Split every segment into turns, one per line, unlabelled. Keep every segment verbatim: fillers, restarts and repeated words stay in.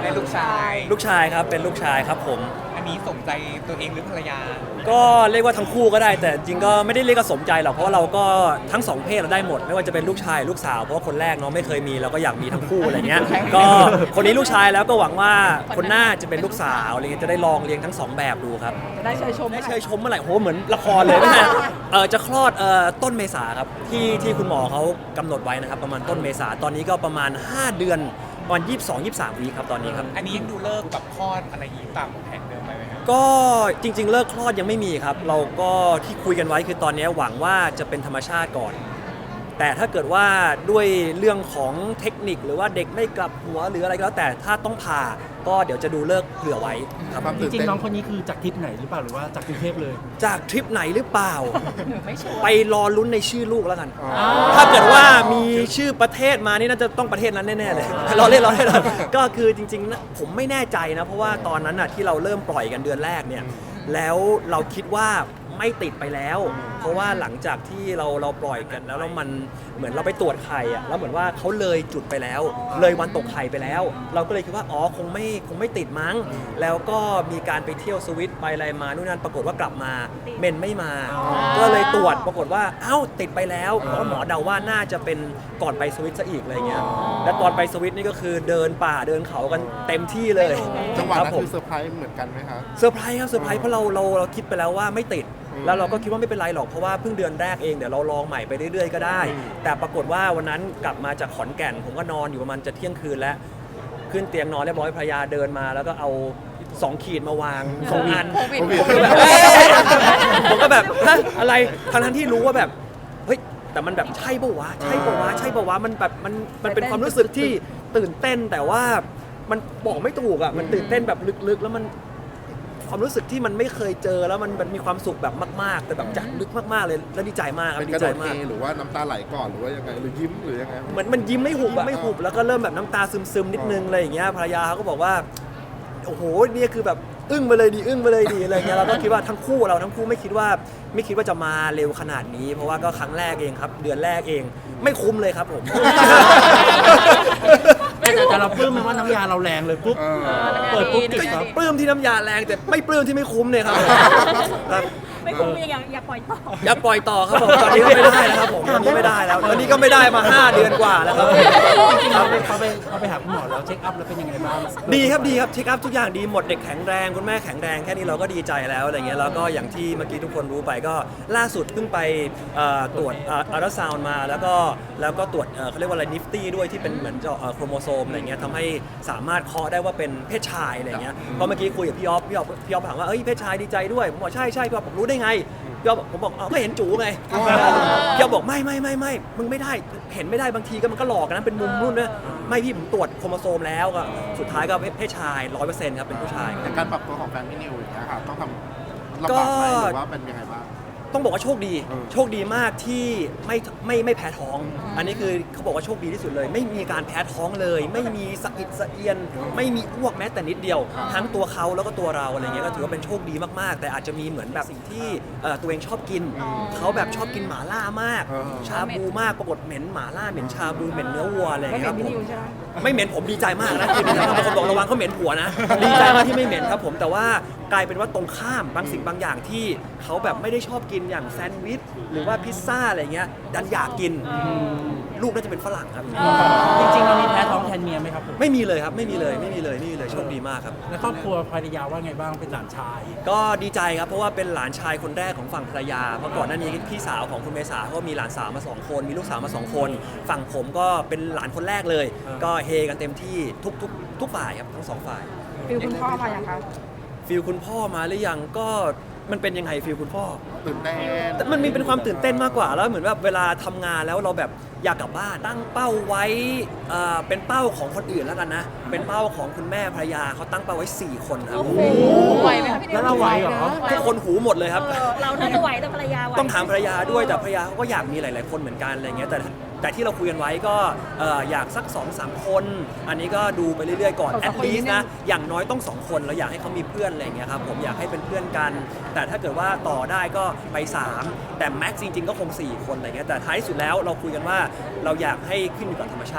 เป็นลูกชาย
ลูกชายครับเป็นลูกชายครับผม
อันนี้สมใจตัวเองหรือภรรยา
ก็เรียกว่าทั้งคู่ก็ได้แต่จริงก็ไม่ได้เรียกว่าสมใจหรอกเพราะว่าเราก็ทั้งสองเพศเราได้หมดไม่ว่าจะเป็นลูกชายลูกสาวเพราะว่าคนแรกเนาะไม่เคยมีเราก็อยากมีทั้งคู่อะไรเงี้ยก็คนนี้ลูกชายแล้วก็หวังว่าคนหน้าจะเป็นลูกสาวอะไรเงี้ยจะได้ลองเลี้ยงทั้งสองแบบดูครับ
จะได้เชยชม
ได้เชยชมเมื่อไหร่โหเหมือนละครเลยนะฮะเออจะคลอดเอ่อต้นเมษาครับที่ที่คุณหมอเขากำหนดไว้นะครับประมาณต้นเมษาตอนนี้ก็ประมาณห้าเดือนประมาณยี่สิบสอง ยี่สิบสามวีคครับตอนนี้ครับ
อันนี้ยังดูเลิกแบบคลอดอะไรอย่างนี้ตามแผนเดิมไหมครับ
ก็จริงๆเลิกคลอดยังไม่มีครับเราก็ที่คุยกันไว้คือตอนนี้หวังว่าจะเป็นธรรมชาติก่อน แต่ถ้าเกิดว่าด้วยเรื่องของเทคนิคหรือว่าเด็กไม่กลับหัวหรืออะไรก็แล้วแต่ถ้าต้องผ่าก็เดี๋ยวจะดูเลิกเผื่อไว้ครับ
จริงๆน้องคนนี้คือจากทริปไหนหรือเปล่าหรือว่าจากกรุงเทพเลย
จากทริปไหนหรือเปล่า
ไม่ชัวร์
ไปรอลุ้นในชื่อลูกแล้วกัน ถ้าเกิดว่ามีชื่อประเทศมานี่น่าจะต้องประเทศนั้นแน่ๆเลย รอเล่นรอเล่นก็คือจริงๆนะผมไม่แน่ใจนะเพราะว่าตอนนั้นน่ะที่เราเริ่มปล่อยกันเดือนแรกเนี่ยแล้วเราคิดว่าไม่ติดไปแล้ว เพราะว่าหลังจากที่เราเราปล่อยกันแล้วแล้วมันเหมือนเราไปตรวจไข่อะแล้วเหมือนว่าเขาเลยจุดไปแล้ว เลยวันตกไข่ไปแล้ว เราก็เลยคิดว่าอ๋อคงไม่คงไม่ติดมั้ง แล้วก็มีการไปเที่ยวสวิตไปอะไรมานู่นนั่นปรากฏว่ากลับมาเมนไม่มา ก็เลยตรวจปรากฏว่าเอ้าติดไปแล้วเพราะหมอเดาว่าน่าจะเป็นก่อนไปสวิตซะอีกอะไรเงี้ยและตอนไปสวิตนี่ก็คือเดินป่าเดินเขากันเต็มที่เลย
จังหวะ
ครับ
นั้น
ผม
คือเซอร์ไพรส์เหมือนกันไหมครับ
เซอร์ไพรส์ครับเซอร์ไพรส์เพราะเราเราเราคิดไปแล้วว่าไม่ติด แล้วเราก็คิดว่าไม่เป็นไรหรอกเพราะว่าเพิ่งเดือนแรกเองเดี๋ยวเราลองใหม่ไปเรื่อยๆก็ได้ แต่ปรากฏว่าวันนั้นกลับมาจากขอนแก่น ผมก็นอนอยู่ประมาณจะเที่ยงคืนแล้วขึ้นเตียงนอนเรียบร้อยภรรยาเดินมา แล้วก็เอาสองขีดมาวางสองอัน
โควิด
ผมก็แบบเอ้ยผมก็แบบฮะอะไรทั้งๆที่รู้ว่าแบบเฮ้ยแต่มันแบบใช่ปะวะใช่ปะวะใช่ปะวะมันแบบมันมันเป็นความรู้สึกที่ตื่นเต้นแต่ว่ามันบอกไม่ถูกอ่ะมันตื่นเต้นแบบลึกๆแล้วมันความรู้สึกที่มันไม่เคยเจอแล้วมันมันมีความสุขแบบมากๆ แต่แบบจากลึกมากๆเลยแล้วดีใจมากครับ
เป็น
ดี
กระ
ใจ
โดดเท
มาก
หรือว่าน้ำตาไหลก่อนหรือว่ายังไงหรือยิ้มหรือยังไง
เหมือนมันยิ้มไม่หุบอะไม่หุบแล้วก็เริ่มแบบน้ำตาซึมๆนิดนึงอะไรอย่างเงี้ยภรรยาเขาก็บอกว่าโอ้โหเนี่ยคือแบบอึ้งไปเลยดีอึ้งไปเลยดีอะไรเงี้ยเราก็คิดว่าทั้งคู่เราทั้งคู่ไม่คิดว่าไม่คิดว่าจะมาเร็วขนาดนี้ เพราะว่าก็ครั้งแรกเองครับเดือนแรกเองไม่คุ้มเลยครับผม
แต่แต่เราปลื้มมันว่าน้ำยาเราแรงเลยปุ๊บเปิดปุ๊บติดครับ
ปลื้มที่น้ำยาแรงแต่ไม่ปลื้มที่ไม่คุ้มเนี่ยครับครับ
ไม่คุ้มอย่าอย่าปล่อยต่อ
อย่าปล่อยต่อครับผมตอนนี้ก็ไม่ได้แล้วครับผมตอนนี้ไม่ได้แล้วตอนนี้ก็ไม่ได้มาห้าเดือนกว่าแล้วครับ
จริงๆเราไปเขาไปเขาไปหาคุณหมอแล้วเช็คอัพแล้วเป็นยังไงบ้าง
ดีครับดีครับเช็คอัพทุกอย่างดีหมดเด็กแข็งแรงคุณแม่แข็งแรงแค่นี้เราก็ดีใจแล้วอะไรเงี้ยแล้วก็อย่างที่เมื่อกี้ทุกคนรู้ไปก็ล่าสุดเพิ่งไปเอ่อตรวจอัลตราซาวน์มาแล้วก็แล้วก็ตรวจเอ่อเขาเรียกว่าอะไรนิฟตี้ด้วยที่เป็นเหมือนเจาะเอ่อโครโมโซมอะไรเงี้ยทำให้สามารถเคาะได้ว่าเป็นเพศชายอะไรเงี้ยเพราะเมื่อกี้คุยกับพี่ออฟพี่ออฟพี่ออฟถามว่าเอ้ยเพศชายดีใจด้วยผมบอกใช่ใช่พี่ออฟผมรู้ได้ไงพี่ออฟผมบอกอ๋อก็เห็นจูไงพี่ออฟบอกไม่ไม่ไม่ไม่มึงไม่ได้เห็นไม่ได้บางทีก็มันก็หลอกนะเป็นมุมรุ่นด้วยไม่พี่ผมตรวจโครโมโซมแล้วก็สุดท้ายก็เพศชายร้อยเปอร์เซ็นต์ครับเป็นผู้ชาย
ในการปรับตัวของแฟนพี่นิวอย่างเงี้ยค่ะต้องทำลำบากไหมหรือว่าเป็นยังไงบ้าง
ต้องบอกว่าโชคดี
อืม
โชคดีมากที่ไม่ไม่ไม่แพ้ท้อง อันนี้คือเขาบอกว่าโชคดีที่สุดเลย ไม่มีการแพ้ท้องเลย ไม่มีสะอิดสะเอียน ไม่มีอ้วกแม้แต่นิดเดียว ทั้งตัวเขาแล้วก็ตัวเราอะไรเงี้ยก็ถือว่าเป็นโชคดีมากๆ แต่อาจจะมีเหมือนแบบสิ่งที่เอ่อตัวเองชอบกิน เขาแบบชอบกินหม่าล่ามาก
อ๋อ
ชาบูมากปรากฏเหม็นหม่าล่าเหม็นชาบูเหม็นเนื้อวัวอะไร
ไม่
เงี้ย
เห็
คน รับ
พี่
ผม
นิวใช่ไหม
ไม่เหม็นผมดีใจมากนะคือบางคนบอกระวังเขาเหม็นผัวนะ ดีใจมากที่ไม่เหม็นครับผมแต่ว่ากลายเป็นว่าตรงข้ามบางสิ่งบางอย่างที่เขาแบบไม่ได้ชอบกินอย่างแซนด์วิชหรือว่าพิซซ่าอะไรเงี้ยดันอยากกินลูกน่าจะเป็นฝรั่งครับ
จริงๆเรามีแพ้ท้องแทนเมียไหมครับผม
ไม่มีเลยครับไม่มีเลยไม่มีเลยไม่มีเลยโชคดีมากครับ
แล้วครอบครัวภรรยาว่าไงบ้างเป็นหลานชาย
ก็ดีใจครับเพราะว่าเป็นหลานชายคนแรกของฝั่งภรรยาเพราะก่อนหน้านี้พี่สาวของคุณเมษาเขาก็มีหลานสาวมาสองคนมีลูกสาวมาสองคน ฝั่งผมก็เป็นหลานคนแรกเลย
อ่า
ก็เฮกันเต็มที่ทุกทุกทุกฝ่ายครับทั้งสองฝ่าย
ฟิลคุณพ่อมาอย่างคะ
ฟิลคุณพ่อมาหรือยังก็มันเป็นยังไงฟิลคุณพ่อ
ตื่นเต้น
แต่มันมีเป็นความตื่นเต้นมากกว่าแล้วเหมือนแบบเวลาทำงานแล้วเราแบบอยากกลับบ้านตั้งเป้าไว้เอ่อเป็นเป้าของคนอื่นแล้วกันนะเป็นเป้าของคุณแม่ภรรยาเขาตั้งเป้าไว้สี่คนครับ
โอ้โหไหวไหมคะพี่นิว
แล้วเราไหวเหรอ
ทุกคนหูหมดเลยครับ
เออเราน่าจะไหวแต่ภรรยาไหว
ต้องถามภรรยาด้วยแต่ภรรยาเขาก็อยากมีหลาย ๆ คนเหมือนกันอะไรเงี้ยแต่แต่ที่เราคุยกันไว้ก็เอ่ออยากสัก สองสาม คน อันนี้ก็ดูไปเรื่อย ๆ ก่อน
ขอ
at
ขอ
least
นิดนึง
นะอย่างน้อยต้องสองคนเราอยากให้เขามีเพื่อนอะไรเงี้ยครับผมอยากให้เป็นเพื่อนกัน แต่ถ้าเกิดว่าต่อได้ก็ไปสามแต่แม็กซ์จริง ๆ ก็คงสี่คนอะไรเงี้ยแต่ท้ายสุดแล้วเราคุยกันว่าเราอยากให้ขึ้นอยู่กับธรรมชาติ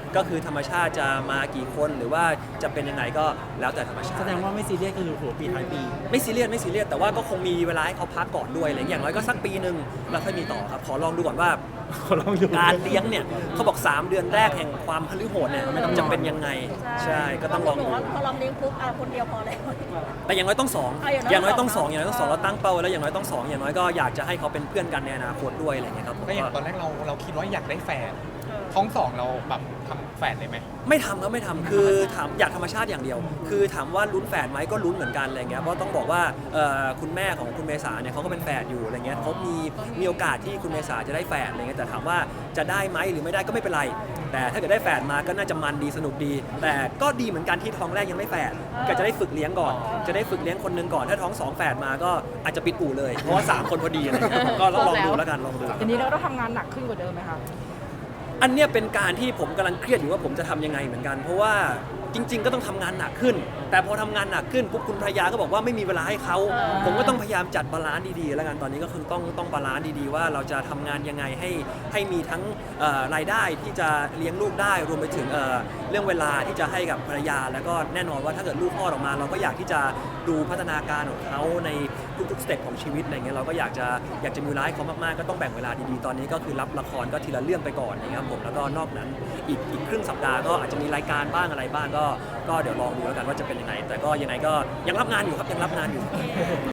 ก็คือธรรมชาติจะมากี่คนหรือว่าจะเป็นยังไงก็แล้วแต่ธรรมชา
แส
ติ
ดงว่าไม่ซีเรียสคือหัวปีท้ายปี
ไม่ซีเรียสไม่ซีเรียสแต่ว่าก็คงมีเวลาให้เขาพักก่อนด้วยอะไรอย่างน้อยก็สักปีหนึ่งแล้วค่อยมีต่อครับขอลองดูก่อนว่า
ขอลองดู
การเลี้ยงเนี่ยเขาบอก สาม เดือนแรกแห่งความพฤโหดเนี่ยจะเป็นยังไงใช่ก็ต้องลอง
บ
ดู
กว่าพอลองเลี้ยงปุ๊บอ่ะคนเดียวพอแล้ว
แต่อย่างน้อยต้องสอง
อ่ะอย่างน้อย
อย่างน้อยต้องสอง
สอง
อย่างน้อยต้องสองเราตั้งเป้าไว้แล้วอย่างน้อยต้องสองอย่างน้อยก็อยากจะให้เขาเป็นเพื่อนกันในอนาคตด้วยอะไรอย่างเงี้ยครับผม
ก็อย่างต
ก็
อนแรกเราเราคิดว่าอยากได้แฝดท้องสองเราแบบทำแฝดเลยไหม
ไม่ทำครับไม่ทำคือถามอยากธรรมชาติอย่างเดียว คือถามว่าลุ้นแฝดไหมก็ลุ้นเหมือนกันอะไรเงี้ยเพราะต้องบอกว่าเอ่อคุณแม่ของคุณเมษาเนี่ยเขาก็เป็นแฝดอยู่อะไรเงี้ยเขามีมีโอกาสที่คุณเมษาจะได้แฝดอะไรเงี้ยแต่ถามว่าจะได้ไหมหรือไม่ได้ก็ไม่เป็นไร แต่ถ้าเกิดได้แฝดมาก็น่าจะมันดีสนุกดี แต่ก็ดีเหมือนกันที่ท้องแรกยังไม่แฝดก็จะได้ฝึกเลี้ยงก่อน จะได้ฝึกเลี้ยงคนหนึงก่อนถ้าท้องสองแฝดมาก็อาจจะปิดอู่เลยเพราะว่าสามคนพอดีอะไรเงี้ยก็ลองดูแล้วกันลองดู
ทีนี้เราต้องทำงานหนักขึ้นกว่าเดิมไหมคะ
อันเนี้ยเป็นการที่ผมกำลังเครียดอยู่ว่าผมจะทำยังไงเหมือนกัน เพราะว่าจริง ๆ ก็ต้องทำงานหนักขึ้น แต่พอทำงานหนักขึ้นปุ๊บคุณภรรยาก็บอกว่าไม่มีเวลาให้เขาผมก็ต้องพยายามจัดบาลานซ์ดีๆแล้วกันตอนนี้ก็คือต้องต้องบาลานซ์ดีๆว่าเราจะทำงานยังไงให้ให้มีทั้งเอ่อรายได้ที่จะเลี้ยงลูกได้รวมไปถึงเอ่อเรื่องเวลาที่จะให้กับภรรยา แล้วก็แน่นอนว่าถ้าเกิดลูกคลอดออกมา เราก็อยากที่จะดูพัฒนาการของเขาในทุกๆสเต็ปของชีวิตอะไรเงี้ยเราก็อยากจะอยากจะมีเวลาให้เขามากๆก็ต้องแบ่งเวลาดีๆตอนนี้ก็คือรับละครก็ทีละเรื่องไปก่อนนะครับผมแล้วก็นอกนั้นอีกอีกครึ่งสัปดาห์ก็อาจจะมีรายการบ้างอะไรบ้างก็ก็เดี๋ยวลองดูแล้วกันว่าจะเป็นยังไง แต่ก็ยังไงก็ยังรับงานอยู่ครับยังรับงานอยู่